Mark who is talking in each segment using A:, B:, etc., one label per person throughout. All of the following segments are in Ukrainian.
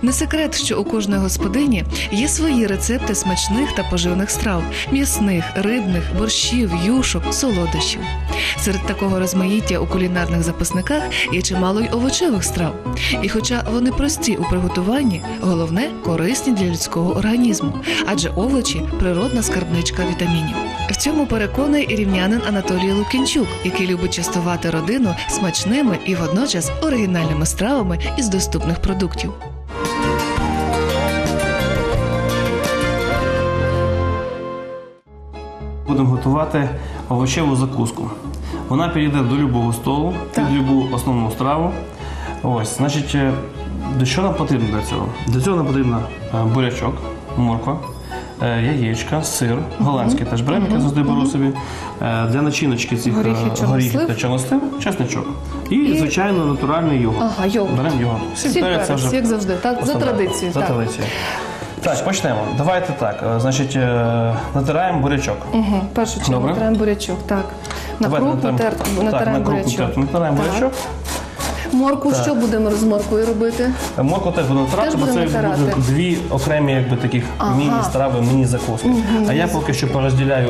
A: Не секрет, що у кожної господині є свої рецепти смачних та поживних страв – м'ясних, рибних, борщів, юшок, солодощів. Серед такого розмаїття у кулінарних записниках є чимало й овочевих страв. І хоча вони прості у приготуванні, головне – корисні для людського організму, адже овочі – природна скарбничка вітамінів. В цьому переконаний і рівнянин Анатолій Лукінчук, який любить частувати родину смачними і водночас оригінальними стравами із доступних продуктів.
B: Будемо готувати овочеву закуску. Вона підійде до будь-якого столу, під будь-яку основну страву. Ось, значить, до чого нам потрібно для цього? Для цього нам потрібно бурячок, морква, яєчка, сир, голландський теж беремо, я завжди беру собі. Для начиночки цих горіхів та чорнослив, чесничок. І, звичайно, натуральний йогурт.
A: Ага, йогурт.
B: Беремо йогурт.
A: Сіль перець, як завжди, так? За традицією.
B: За традицією. Так, почнемо. Давайте так. Значить, натираємо бурячок.
A: Угу. Першу чергу натираємо бурячок, так. На крупу натираємо бурячок.
B: Натираємо бурячок.
A: Моркву що будемо з морквою робити?
B: Моркву теж будемо натирати, бо це буде дві окремі якби, таких міні-страви, міні-закуски. А я поки що порозділяю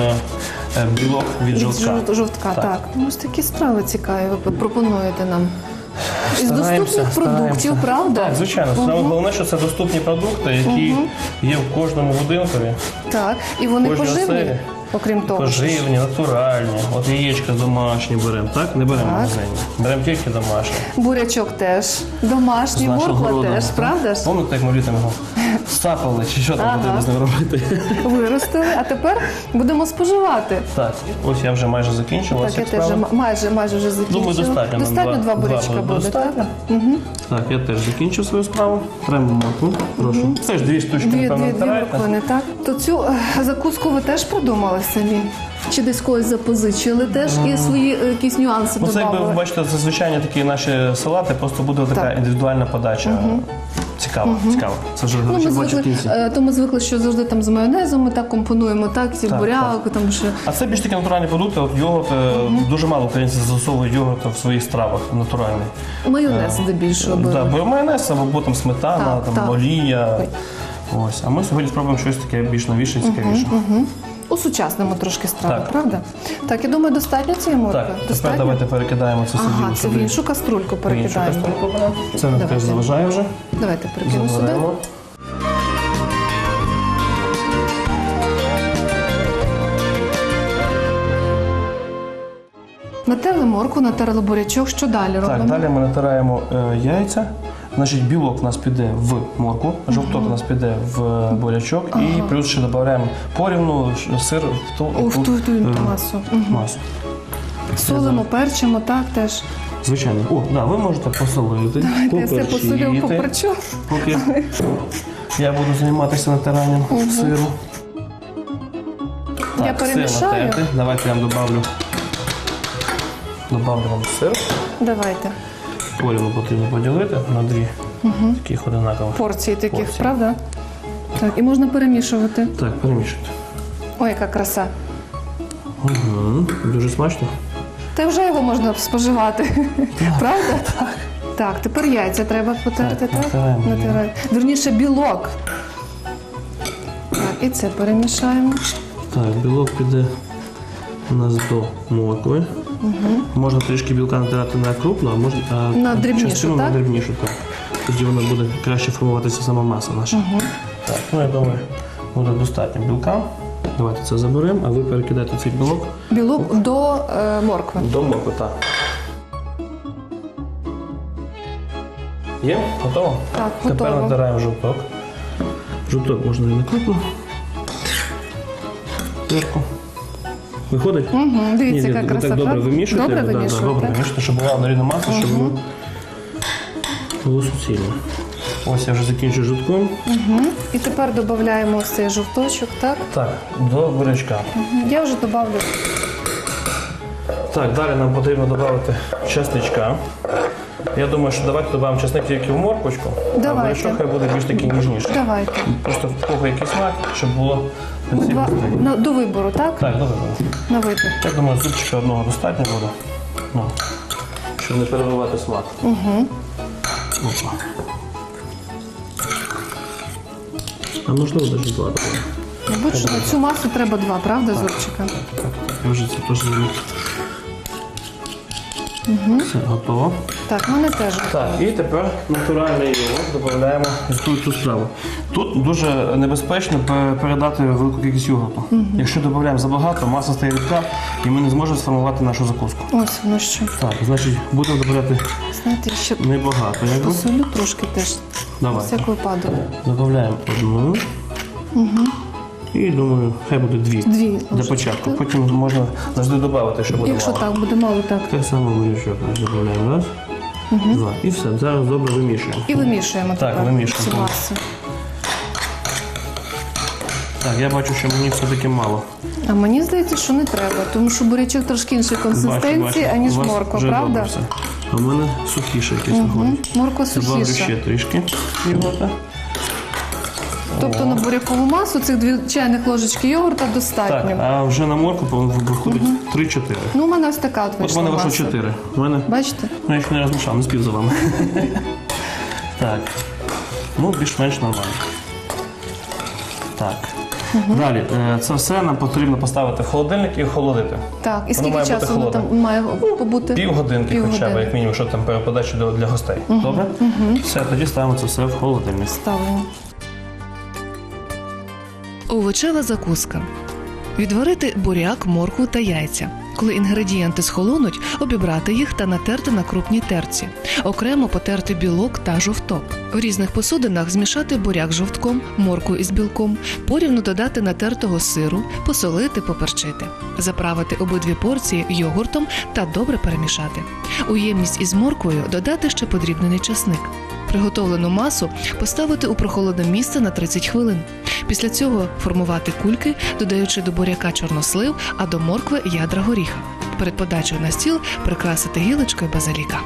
B: білок від жовтка.
A: Жовтка, так. Ось такі страви цікаві ви пропонуєте нам. Із доступних продуктів, правда?
B: Так, звичайно. Головне, що це доступні продукти, які є в кожному будинкові.
A: Так, і вони поживні, окрім того.
B: Поживні, натуральні. От яєчка домашні беремо, так? Не беремо магазинні. Беремо тільки домашні.
A: Бурячок теж домашній, морква теж, правда ж?
B: Пам'ятаєте, як ми літом його сапали, чи що там потрібно з ним робити?
A: Виростили, а тепер будемо споживати.
B: Так, ось я вже майже закінчив.
A: Так, я теж майже вже закінчила.
B: Думаю, достатньо.
A: Достатньо два бурячка буде, так?
B: Так, я теж закінчив свою справу. Беремо моркву, прошу. Це ж дві штучки, напевно, натираєте.
A: Дві так? То цю закуску ви теж придумали самі? Чи десь когось запозичили теж і свої якісь нюанси додали?
B: Це, якби ви бачите, це звичайні такі наші салати, просто буде така індивідуальна подача. Цікаво. Це вже бачу в кінці.
A: То ми звикли, що завжди там з майонезом ми так компонуємо, так, ці буряк, там ще.
B: А це більш такі натуральні продукти, от йогурт, дуже мало українців застосовують йогурт в своїх стравах, натуральний.
A: Майонез здебільшого беруть.
B: Так, бо майонез, або там сметана, там олія. Ось. А ми сьогодні спробуємо щось таке більш новіше і цікавіше.
A: Усучаснимо трошки страви, правда? Так, я думаю, достатньо цієї моркви?
B: Так, тепер давайте перекидаємо це собі.
A: Це в іншу каструльку перекидаємо.
B: Це нам теж заважає вже.
A: Давайте перекинемо сюди. Натерли моркву, натерли бурячок. Що далі робимо?
B: Так, далі ми натираємо яйця. Значить, білок у нас піде в моркву, жовток у нас піде в бурячок і плюс ще додаємо порівну сир в ту масу.
A: Солимо, перчимо, так теж.
B: Звичайно. Ви можете посолити,
A: Давайте я все посолю, поперчу.
B: Поки я буду займатися натиранням сиру.
A: Я перемішаю.
B: Давайте я вам добавлю вам сир.
A: Давайте.
B: Порівну потрібно поділити на дві таких одинакових
A: порції таких, правда? Так, і можна перемішувати.
B: Так, перемішуйте.
A: Ой, яка краса.
B: Дуже смачно.
A: Та вже його можна споживати, правда? Так. Так, тепер яйця треба потерти, так? Натираємо. Вірніше, білок. Так, і це перемішаємо.
B: Так, білок піде у нас до моркви. Можна трішки білка натирати на крупну, а можна
A: на дрібнішу, так?
B: На дрібнішу, так. Тоді вона буде краще формуватися сама маса наша. Так, я думаю, буде достатньо білка. Давайте це заберемо, а ви перекидайте цей білок.
A: Білок до моркви.
B: До моркви, так. Є? Готово?
A: Так, готово.
B: Тепер натираємо жовток. Жовток можна і на крупну. Перку. Виходить?
A: Дивіться, яка краса.
B: Так добре вимішуєте.
A: Добре
B: вимішуєте, щоб була однорідна маса, щоб було суцільно. Ось я вже закінчую жовтком.
A: І тепер додаємо ось цей жовточок, так?
B: Так, до бурячка.
A: Я вже додавлю.
B: Так, далі нам потрібно додати чесничка. Я думаю, що давайте додамо чесник тільки в морквочку, а бурячок хай буде більш такий ніжніший.
A: Давайте.
B: Просто в кого який смак, щоб було...
A: До вибору, так?
B: Так, до вибору.
A: На вибір.
B: Я думаю, зубчика одного достатньо буде, щоб не перебивати смак. А можливо, навіть 2.
A: Мабуть, що на цю масу треба 2, правда, Зурчика?
B: Я вже це теж зробив. Все, готово.
A: Так, в мене теж.
B: Так, і тепер натуральний йогурт додаємо в цю страву. Тут дуже небезпечно передати велику кількість йогурту. Якщо додаємо забагато, маса стає рідка і ми не зможемо сформувати нашу закуску.
A: Ось воно що.
B: Так, значить, будемо додавати
A: Знаєте, ще
B: небагато. Якби.
A: посолю трошки теж.
B: Давай.
A: На всяк випадок.
B: Додаємо одну. І думаю, хай буде 2
A: 2
B: для
A: ложечки,
B: початку.
A: так?
B: Потім можна завжди додати, що буде
A: Якщо
B: мало.
A: так, буде мало, так.
B: Так само бурячок додаємо. Раз, 2. І все. Зараз добре вимішуємо.
A: І вимішуємо
B: Так,
A: тепер
B: вимішуємо.
A: цю масу.
B: Так, я бачу, що мені все-таки мало.
A: А мені здається, що не треба, тому що бурячок трошки іншої консистенції,
B: Бачу.
A: аніж
B: У вас
A: морква,
B: вже
A: правда?
B: добре все. А в мене сухіше якесь виходить.
A: Морква
B: Добавлю
A: сухіша.
B: ще трішки йогурта.
A: Тобто на бурякову масу цих 2 чайних ложечки йогурта
B: Так,
A: достатньо.
B: а вже на моркву виходить 3-4.
A: Ну, у мене ось така от
B: От в
A: вийшла
B: мене вийшло
A: маса.
B: 4. У мене,
A: Бачите?
B: ну я ще не розмішав, не спів за вами. Так. Ну, більш-менш нормально. Так. Далі, це все нам потрібно поставити в холодильник і охолодити.
A: Так, і
B: Воно
A: скільки
B: має бути
A: часу воно
B: холодне.
A: там має побути?
B: Півгодинки хоча б,
A: Півгодини.
B: як мінімум, щоб там переподачі для гостей. Добре? Все, тоді ставимо це все в холодильник.
A: Ставимо. Овочева закуска. Відварити буряк, моркву та яйця. Коли інгредієнти схолонуть, обібрати їх та натерти на крупній терці. Окремо потерти білок та жовток. В різних посудинах змішати буряк з жовтком, моркву із білком, порівну додати натертого сиру, посолити, поперчити. Заправити обидві порції йогуртом та добре перемішати. У ємність із морквою додати ще подрібнений часник. Приготовлену масу поставити у прохолодне місце на 30 хвилин. Після цього формувати кульки, додаючи до буряка чорнослив, а до моркви ядра горіха. Перед подачею на стіл прикрасити гілочкою базиліка.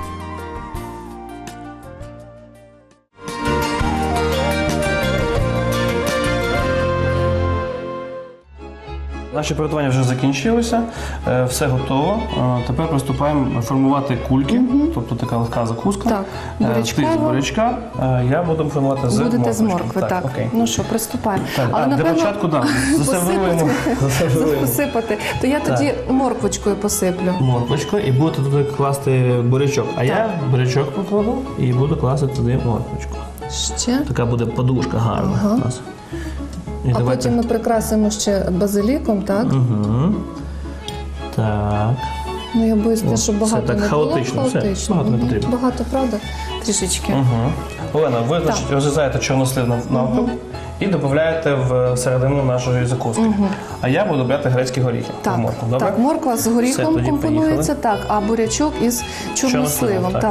B: Наші приготування вже закінчилися, все готово. Тепер приступаємо формувати кульки, тобто така легка закуска.
A: Так,
B: Ти з
A: бурячкова.
B: бурячка, я буду формувати з
A: Будете з
B: морквочки.
A: моркви, так.
B: Окей.
A: Ну що, приступаємо.
B: Так,
A: Але,
B: для
A: напевно,
B: початку, так, засервируємо.
A: посипати, то я тоді морквочкою посиплю.
B: Морквочку і будете туди класти бурячок. А я бурячок покладу і буду класти туди морквочку.
A: Ще.
B: Така буде подушка гарна у нас. І
A: А потім ми прикрасимо ще базиліком, так?
B: Угу. Так.
A: Ну, я боюсь, те, що багато
B: так
A: не було.
B: хаотично, все, багато не потрібно.
A: Багато, правда? Трішечки.
B: Угу. Олена, ви значить, розрізаєте чорнослив навпіл і додаєте в середину нашої закуски. А я буду брати грецькі горіхи.
A: Так,
B: в моркву, добре?
A: так, морква з горіхом
B: Все, тоді
A: компонується, так, а бурячок із чорносливом.
B: так.
A: Так.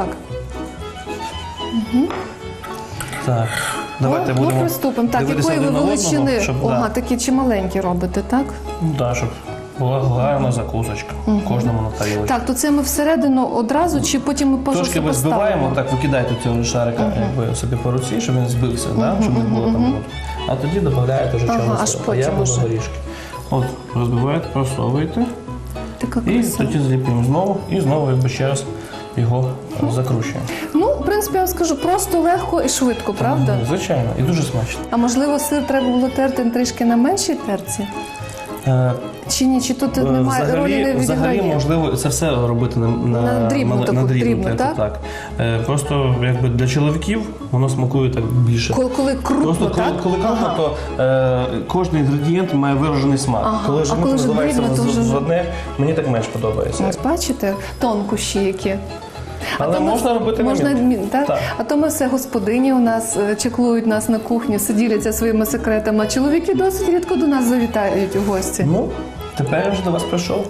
B: Так. Давайте
A: Ну,
B: будемо
A: приступимо. Так,
B: дивитися
A: якої ви
B: один на
A: величини?
B: одного, щоб,
A: Ага, такі чималенькі робите, так?
B: да, щоб була гарна закусочка. Кожному на тарілочку.
A: Так, то це ми всередину одразу, чи потім ми
B: Трошки ви збиваємо, так викидаєте цього шарика якби собі по руці, щоб він збився, да? Щоб не було там. А тоді додаєте вже
A: Ага,
B: чорнослив.
A: аж
B: А я
A: потім
B: буду
A: уже.
B: горішки. От, розбиваєте, просовуєте.
A: Така
B: І
A: краса.
B: тоді зліплюємо знову і знову якби ще раз його закручуємо.
A: Ну, в принципі, я вам скажу, просто легко і швидко, правда?
B: Звичайно, і дуже смачно.
A: А можливо, сир треба було терти трішки на меншій терці? Чи ні? Чи тут немає ролі не
B: Взагалі,
A: відіграє?
B: можливо, це все робити
A: На дрібну таку, дрібну,
B: терту,
A: так?
B: Просто якби для чоловіків воно смакує так більше.
A: Коли крупно,
B: Просто
A: так?
B: коли крупно, то кожен інгредієнт має виражений смак.
A: Ага.
B: Коли
A: А
B: ж
A: коли ж
B: називається
A: дрібно, то вже-
B: з одне, мені так менш подобається.
A: Ось бачите, тонкощі які.
B: Але
A: то ми-
B: можна робити
A: можна
B: момент.
A: так?
B: Так.
A: А то ми все господині у нас чеклують нас на кухні, все діляться своїми секретами. А чоловіки досить рідко до нас завітають у гості.
B: Ну, тепер я вже до вас прийшов.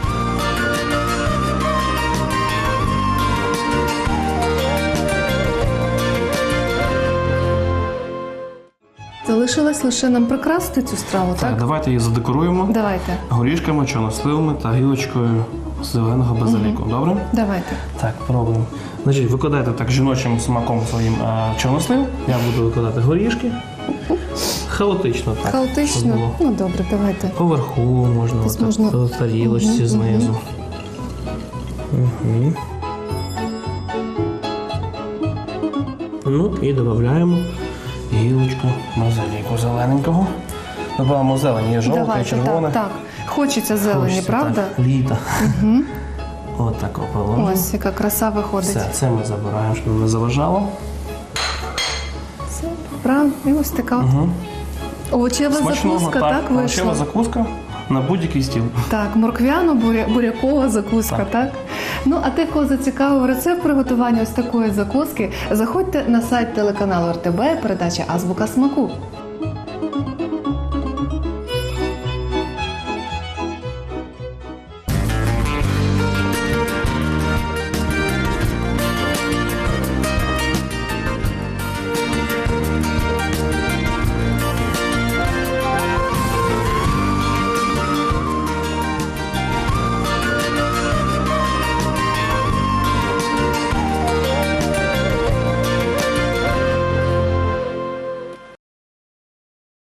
A: Залишилось лише нам прикрасити цю страву, так?
B: Так, давайте її задекоруємо
A: Давайте,
B: горішками, чорносливами та гілочкою зеленого базиліку. Добре?
A: давайте.
B: Так, пробуємо. Значить, викладайте так жіночим смаком своїм чорнослив. Я буду викладати горішки. Хаотично так. щоб
A: Хаотично?
B: було.
A: Ну добре, давайте.
B: Поверху можна,
A: Десь
B: отак,
A: можна-
B: в тарілочці знизу. Угу. Ну і додаємо гілочку базиліку зелененького. Добавимо зелені, є жовте,
A: Давайте,
B: червоне.
A: так. Хочеться зелені,
B: Хочеться,
A: правда?
B: Так, літа. От так положимо.
A: Ось яка краса виходить.
B: Все, це ми забираємо, щоб не заважало.
A: Все, правильно. І ось така овочева закуска, так,
B: овочева
A: вийшла?
B: закуска на будь-який стіл.
A: Так, морквяно-бурякова закуска, так? Ну, а тих, кого зацікавив рецепт приготування ось такої закуски, заходьте на сайт телеканалу РТБ, передача «Азбука смаку».